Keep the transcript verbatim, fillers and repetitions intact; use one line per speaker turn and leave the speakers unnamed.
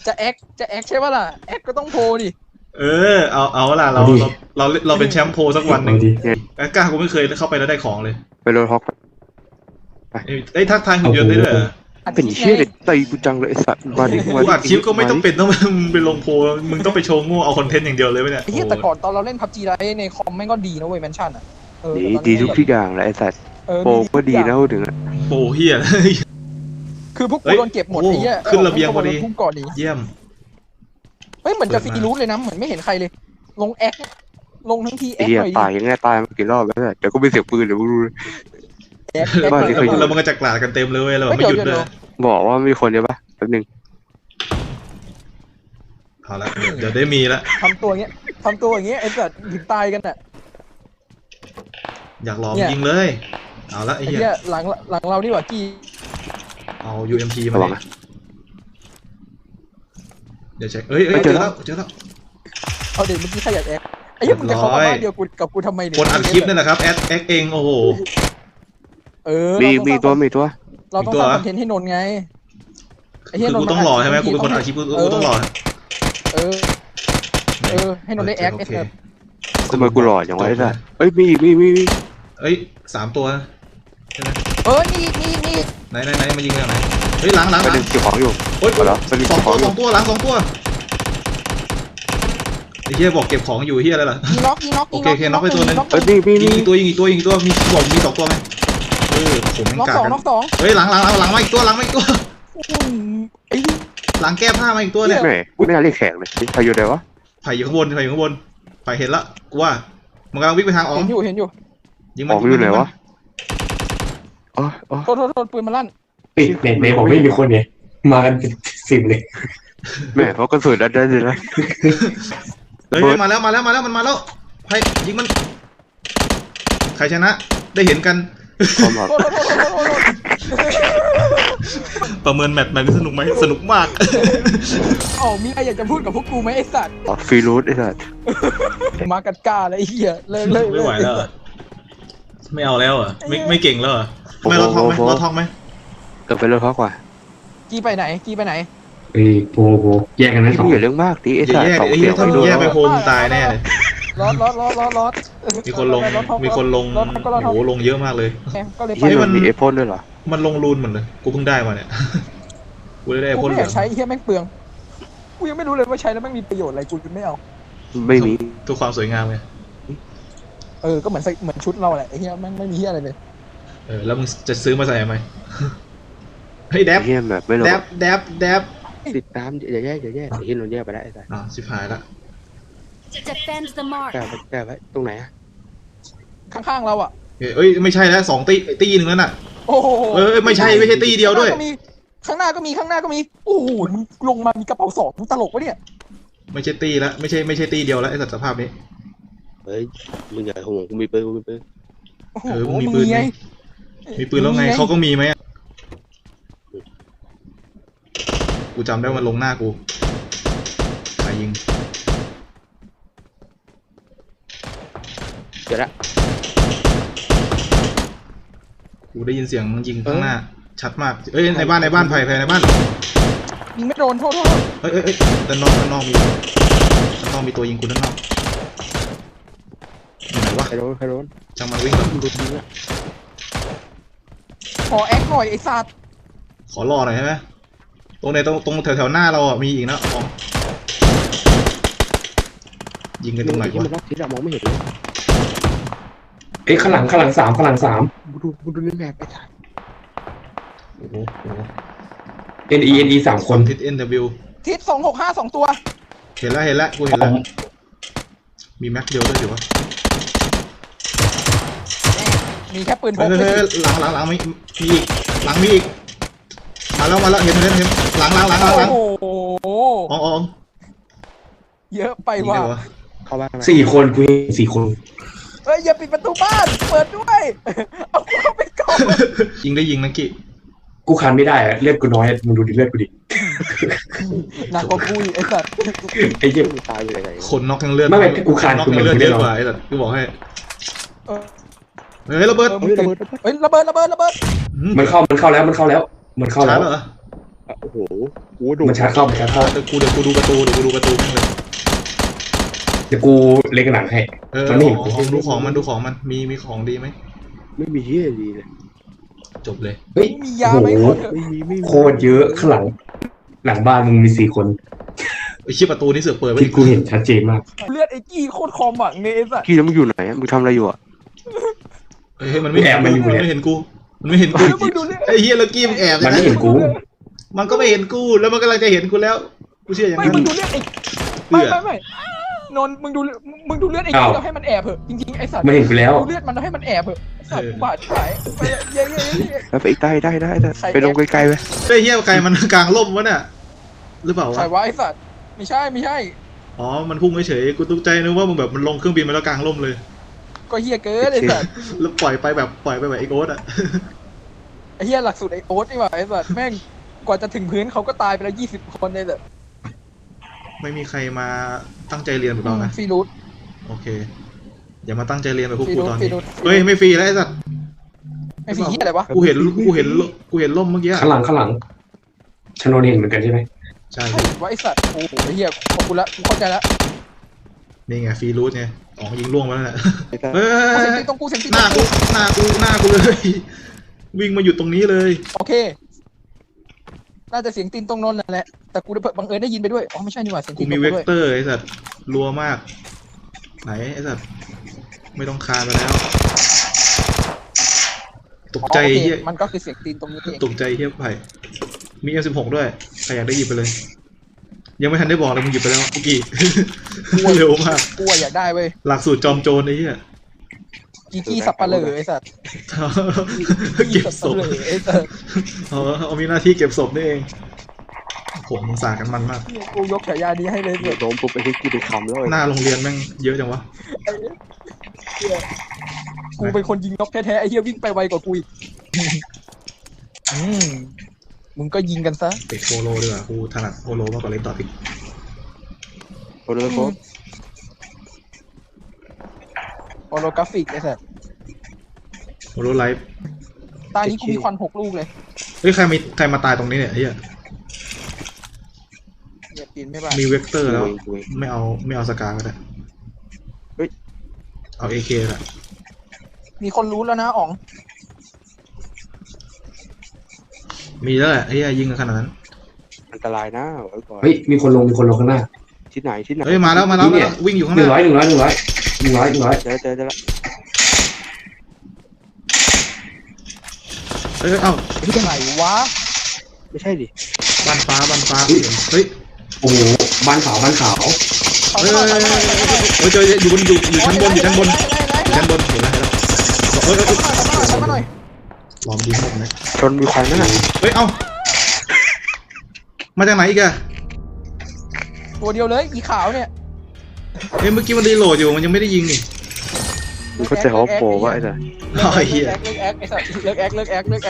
จะแอคจะแอคใช่ป่ะล่ะแอคก็ต้องโพดิ
เออเอาเอาล่ะเราเราเราเราเป็นแชมป์โพสักวันหนึ่งแอคก้ากูไม่เคยเข้าไปแล้วได้ของเลย
ไปโรลฮอก
ไอ้ทักทายหุ่นยนต์ได้ด้วย
เป็นเชี่ยเด็กตีกูจังเลยไอ้สัตว์มาดิ
กูอัดคลิปก็ไม่ต้องเป็นต้องไปลงโพมึงต้องไปโชว์โง่เอาคอนเทนต์อย่างเดียวเลยไหมเนี่ย
ไอ้เหี้ยแต่ก่อนตอนเราเล่นพับจีไรในคอมแม่งก็ดีนะเว้ยแมนชั่นอ่ะ
ดีดีทุกที่อย่างแหละไอ้สัตว์โปก็ดีนะพูดถึงอ่ะ
โปเฮีย
คือพวกกูโดนเก็บหมดไอ้เหี้ย
ขึ้นระเบียงพอดีเยี่ยม
เฮ้ยเหมือนจะฟรีรูทเลยนะเหมือนไม่เห็นใครเลยลงแอคลงทั้งทีแอคหน่อย
ตายยังไงตายมากี่รอบแล้วเดี๋ยวก็ไม่เสียปืนเดี๋ยวกูรู้
แล้วมันก็จะกลาดกันเต็มเลยเราไม่หยุดเลย
บอกว่ามีคนเดียวปะแป๊บนึง
เอาละเดี๋ยวได้มีละ
ทำตัวเงี้ยทำตัวอย่างเงี้ยไอ้สัตว์ถึงตายกันอ่ะ
อยากลองยิงเลยเอาละไอ้เหี้ย
หลังหลังเราดีกว่ากี้
เอา ยู เอ็ม พี มาเลยเดี๋ยวเช็คเอ้ยเอ้ยเจอแล้วเจอแล้ว
เอาเดี๋ยวเมื่อกี้ใครอยากแอคไอ้เหี้ยมึงจะเข้ามาบ้านเดียวกูกับกูทำไมเนี่ย
คนอัดคลิปนั่นแหละครับแอดแอคเองโอ้โห
เออ
มีมีตัวมีตัว
เราต้องทำคอนเทนต์ให้นนไง
ไอ้เหี้ยนนต้องหล่อใช่ไหมกูเป็นคนอัดคลิปกูต้องหล่อ
เออเออให้นนได้แอคเอฟ
ทำไมกูหล่ออย่างไรได้เอ้ยมีมีมี
เอ้ยสามตัวใช่ไหม
เออนี่นี่นี่
ไหนไหนไหนมายิงกันไหนเฮ้ยหลังหลังหลัง
เก็บของอยู่
โอ้ยสองตัวสองตัวหลังสองตัวไอ้เหี้ยบอกเก็บของอยู่เหี้ยอะไรล่ะ
ยิงน็อกยิงน็อก
โอเคโอเคน็อกไปตัวนึง
เอ้ยมีมีมี
อีกตัวยิงอีกตัวยิงอีกตัวมีบอกมีสองตัวไหมเออผม
น็อกสองน็อกสอง
เฮ้ยหลังหลังหลังมาอีกตัวหลังมาอีกตัว
ไอ้
หลังแก้ผ้ามาอีกตัวเนี่ย
ไม่น่าเรียกแขกเลยใครอยู่ไหนวะ
ไผ่อยู่ข้างบนไผ่อยู่ข้างบนไผ่เห็นละกูว่ามันกำลังวิ่งไปทางอ๋อ
เห็นอยู่เห็นอยู่
ยิงมัน
อยู่ไหนวะอ๋ออ๋อ
โทษโทษโทษปืนมันลั่น
เฮ้ยเน็ตบอกไม่มีคนเนี่ยมากันเป็นสิบเลย
แม่เขาก็สวยได้เลยนะ
เฮ้ยมาแล้วมาแล้วมาแล้วมันมาแล้วไผ่ยิงมันใครชนะได้เห็นกันประเมินแมตช์แมตช์สนุกไหมสนุกมาก
อ๋อมีอะไรอยากจะพูดกับพวกกูไหมไอ้สัตว์
ฟรีรูทไอ้สัตว์
มากัดกาเลยไอ้เหี้ยเลิกเลิก
ไม่ไหวแล้วไม่เอาแล้วอ่ะไม่ไม่เก่งแล้วอ่ะไม่เราทองไหมเราทองไหม
เกิดไปเลยเพราะกว่า
กี้ไปไหนกี้ไปไหน
เอ้ยโปโปแยกกันนะ
สองอย่าเรื่องมากดิไอ้สัตว์สอง
เสียงถ้าแยกไปโฮมตายแน่เลย
รอดรอดรอดรอดรอด
มีคนลงมีคนลงโอ้โหลงเยอะมากเลย
ที่มันมีเอฟพ่นด้วยเหรอ
มันลงรูนเหมือนเลยกูเพิ่งได้มาเนี่ยกูได้ได้พ่นเหลือง
ใช้เฮียแม่งเปลืองกูยังไม่รู้เลยว่าใช้แล้วแม่งมีประโยชน์อะไรกูจะไม่เอา
ไม่มี
ทุกความสวยงามไง
เออก็เหมือนใส่เหมือนชุดเราแหละไอ้เฮียแม่งไม่มีเฮียอะไรเลย
เออแล้วมึงจะซื้อมาใส่ทำไมเฮ้ยแดบแดบแดบแดบ
ติดตามอย่าแย่อย่าแย่เห็นเราแย่ไปได้ไอ้สัส
อ่าชิบหายละ
แก้ไปแก้ไปตรงไหนอะ
ข้างๆเราอ่ะ
เอ้ยไม่ใช่แล้วสองตีตีหนึ่งนั่นน่ะ
โอ้โห
เออไม่ใช่ไม่ใช่ตีเดียวด้วย
ข้างหน้าก็มีข้างหน้าก็มีโอ้โหมึงลงมามีกระเป๋าสองมึงตลกวะเนี่ย
ไม่ใช่ตีแล้วไม่ใช่ไม่ใช่ตีเดียวแล้วไอ้สัตว์สภาพนี้
เฮ้ยมึงใหญ่หัวกูมีปืนกูมีปืน
เออมึงมีปืนไงมีปืนแล้วไงเขาก็มีไหมกูจำได้มันลงหน้ากูใครยิง
เดี๋ยวละ
กูได้ยินเสียงมึงยิงข้างหน้าชัดมากเอ้ยในบ้านในบ้านไผ่ไผ่ในบ้าน
ยิงไม่โดนโทษโทษ
เฮ้ยเฮ้ยเฮ้ยด้านนอกด้านนอกมีด้านนอกมีตัวยิงกูด้านนอกอยู่ไหนวะ
ใครโดนใครโดน
จังมันวิ่งแล้วดูดีละ
ขอแอคหน่อยไอ้สัตว์
ขอรอหน่อยใช่ไหมตรงในตรงตรงแถวแถวหน้าเราอ่ะมีอีกนะอ๋อยิงกันตรงไหนวะ
ที่เรามองไม่เห็นเลย
เอ้ยข้างหลังข้างหลังสามข้างหลังสาม
ดูดูเล่นแบบไปถ่าย
โอ้โห
เอ็นอีเอ็นอีสามคน
ทิศเอ็นวิว
ทิศสองหกห้าสองตัว
เห็นแล้วเห็นแล้วกูเห็นแล้วมีแม็กเดียวด้วยถือว่า
มีแค่ปืนพก
หลังหลังหลังมีมีอีกหลังมีอีกมาแล้วมาแล้วเห็นเห็นเห็นหลังหลังหลังหลัง
โอ้โห
อ๋ออ๋อ
เยอะไปว่ะ
เข้าบ้าน
สี่คนกูสี่คน
เฮ้ยอย่าปิดประตูบ้านเปิดด้วยเอาเข้าไปก่อน
ยิงได้ยิงนักกี้
กูคันไม่ได้เลือดกูน้อยมึงดูดิเลือดกูดิ
หนักกว่ากูไอ้สัตว์
ไอ้เหี้ย
ตายอยู่ไหน
คนน็อกทั้งเลือด
ไม่ไม่กูคัน
กูเลือดเยอะกว่าไอ้สัตว์กูบอกให้เฮ้ยระเบิด
เฮ้ยระเบิดระเบิดระเบิด
มันเข้ามันเข้าแล้วมันเข้าแล้วมันเข้าแล้ว
โอ้โหโอ้โหโดด
มันชาร์จเข้ามันชาร์จเข้า
เดี๋ยวกูเดี๋ยวกูดูประตูเดี๋ยวกูดูประตูแม่งเลย
เดี๋ยวกูเล็งหลังให้
เออ
มันไม่เห็น
ของของดูของมันดูของมันมีมีของดีไหม
ไม่มีเฮียดีเลย
จบเลย
เฮ้ย
มียา
โอ้
ไหม
โห
ขอเถอะ
ไม่มีไม่มี
โคตรเยอะข้างหลัง หลังบ้านมึงมีสี่คน
ไอ้เชี่ยประตูนี่เสือกเปิดไว้
ที่กูเห็นชัดเจนมาก
เลือดไอ้กี้โคตรคอมอ่ะเนสอ่ะ
กี้แล้วมึงอยู่ไหนอะมึงทำอะไรอยู่อ่ะ
เฮ้ยมันไม่เห็นมันไม่เห็นกูมันไม่เห็นกู
แล้วมึงดูเลือด
ไอ้เฮียแล้วกี้มันแอบ
มันไม่เห็นกู
มันก็ไม่เห็นกูแล้วมันกำลังจะเห็นกูแล้วกูเชื่ออย่าง
ไม่
นั้น
มึงดูเลือดไอ้ไม่ไม่ไม่นนท์มึงดูมึงดูเลือดไอ้กี้แล้วให้มันแอบเหอะจริงๆไอ้สัตว์
ไม่เห็นกูแล้ว
ดูเลือดมันแล้วให้มันแอบเหอะไอ้สัตว์บาดหายไปเย้เย้เย้
แล้วไปอีกได้ได้ได้ได้
ใคร
ไปลงไกลๆไป
ไอ้เฮียใครมันกลางร่มวะเนี่ยหรือเปล่าวะ
ใช่วะไอ้สัตว์ไม่ใช่ไม่ใช่
อ๋อมันพุ่งเฉยๆกูตกใจนึกว่ามึงแบบมันลงเครื่องบินมาแล้วกลางร่มเลย
ก็เฮียเกินไอ้สัตว์
แล้วปล่อยไปแบบปล่อยไปแบบไอ้โอ๊ตอะ
ไอ้เฮียหลักสูตรไอ้โอ๊ตนี่หว่าไอ้สัตว์แม่งกว่าจะถึงพื้นเขาก็ตายไปแล้วยี่สิบคนเลยแบบ
ไม่มีใครมาตั้งใจเรียนแบบเรานะ
ฟรีรูท
โอเคอย่ามาตั้งใจเรียนแบบพวก
ฟรี
กู
รูท
ตอน
ฟรี
นี้
รูท
เฮ้ยไม่ฟรีแล้วไอ้สัตว์
ไม่ฟรีเฮียอะไรวะ
กูเห็นกูเห็นกูเห็นร่มเมื่อกี้อะ
ข้างหลังข้างหลังชโนนเห็นเหมือนกันใช่ไหม
ใช่
ใช่วะไอ้สัตว์โอ้โหไอ้เฮียขอบคุณละกูเข้าใจละ
นี่ไงฟรีรูทไงอ๋อยิงล่วงมาแล้วแหละ
ไอ้สัส
เฮ้
กูเสียง
ย
ตีตรงกูเสียงตี
หน้ากูหน้ากูหน้ากูเลย วิ่งมาอยู่ตรงนี้เลย
โอเคน่าจะเสียงตีนตรงนนท์นั่นแหละแต่กูได้บังเอิญได้ยินไปด้วยอ๋อไม่ใช่นี่หว่าเสียง
กู
ตีนต
มี
รง
เว
กู
ก
ด้วย
เตอร์ไอ้สัตว์รัวมาก ไหนไอ้สัตว์ไม่ต้องคานไปแล้ว ตก
อ๋อ
ใจ
โอเค
เฮีย
มันก็คือเสียงตีนตรงนี้เอง
ตกใจเฮียไผ่มี เอ็ม สิบหก ด้วยใครอยากได้หยิบไปเลย ยังไม่ทันได้บอกเลยมึงหยิบไปแล้วเมื่อกี้ เร็วมาก
กูอะอยากได้เว้ย
หลักสูตรจอมโจรไอ้เหี้ย
กีกี้สับปะเหร่อไอ้สัตว์
เก็บศพ
สัปะเหร่อไอ้สัตว์
อ๋อเอามีหน้าที่เก็บศพนี่เองผมสงสารกันมันมาก
กูยกฉายานี้ให้เลย
เดี๋ยวโดนปุ๊บไปให้กูไปคำแล้ว
หน้าโรงเรียนแม่งเยอะจังวะ
เหี้ยกูเป็นคนยิงนกแท้ๆไอ้เหี้ยวิ่งไปไวกว่ากูอีกอืมมึงก็ยิงกันซะ
เตะโปโลดีกว่ากูถนัดโปโลมากกว่าเล่นต่ออีก
โอ้โหโอ้
โอโลกราฟิกไอ้สัตว์
โปโลไลฟ์
ตานี้กูมีควันหกลูกเลย
เฮ้ยใครมีใครมาตายตรงนี้เนี่ยไอ้เหี้ย
เหยียบปีนไม่บ้า
มีเวกเตอร์แล้ว
เว้ย
ไม่เอาไม่เอาสกาก็ได้
เฮ้ย
เอาเอเคแหละ
มีคนรู้แล้วนะอ๋อง
มีแล้วแหละไอ้เหี้ยยิงกันขนาดนั้น
อันตรายนะไว้ก่อน
เฮ้ยมีคนลงมีคนลงข้างหน้า
ที่ไหนที่ไหน
เฮ้ยมาแล้วมาแล้ว
นี่
มา
เนี่
แล้
ย
ววิ่งอยู่ข้าง
ห
ห
นึ่ง
น้า
ร้อยหนึ่งร้อยหนึ่งร้อยหนึ่งร้อยหนึ่งร้อย
เจอเจอเจอแล้ว
เฮ้ยเอ้า
ที่ไหนวะ
ไม่ใช่ดิ
บ้านฟ้าบ้านฟ้าเฮ้ย
โอ้โหบ้านขาวบ้านขาว
ขอ
เฮ้ย
โทษ
เฮ้ย
ขอโทษขอโทษ
เฮ้ยเจออยู่บนอยู่อยู่ชั้นบนอยู่ชั้นบนอยู่ชั้นบนเห็นแล้วเห็นแล้วเฮ้ยเฮ้ย
ขอมาหน่อย
ลองยิงหมดไหม
ชนมีควันนั่นน่ะ
เฮ้ยเอ้ามาจากไหนอีกอะ
ตัวเดียวเลยอีขาวเนี่ย
เฮ้ยเมื่อกี้มันรีโหลดอยู่มันยังไม่ได้ยิงนี่
มึงเข้าใจเขาโปรว่าไอ้สัส
เลิกแอคเลิกแอคไอ้สัตว์เลิกแอคเลิกแอคเลิกแอค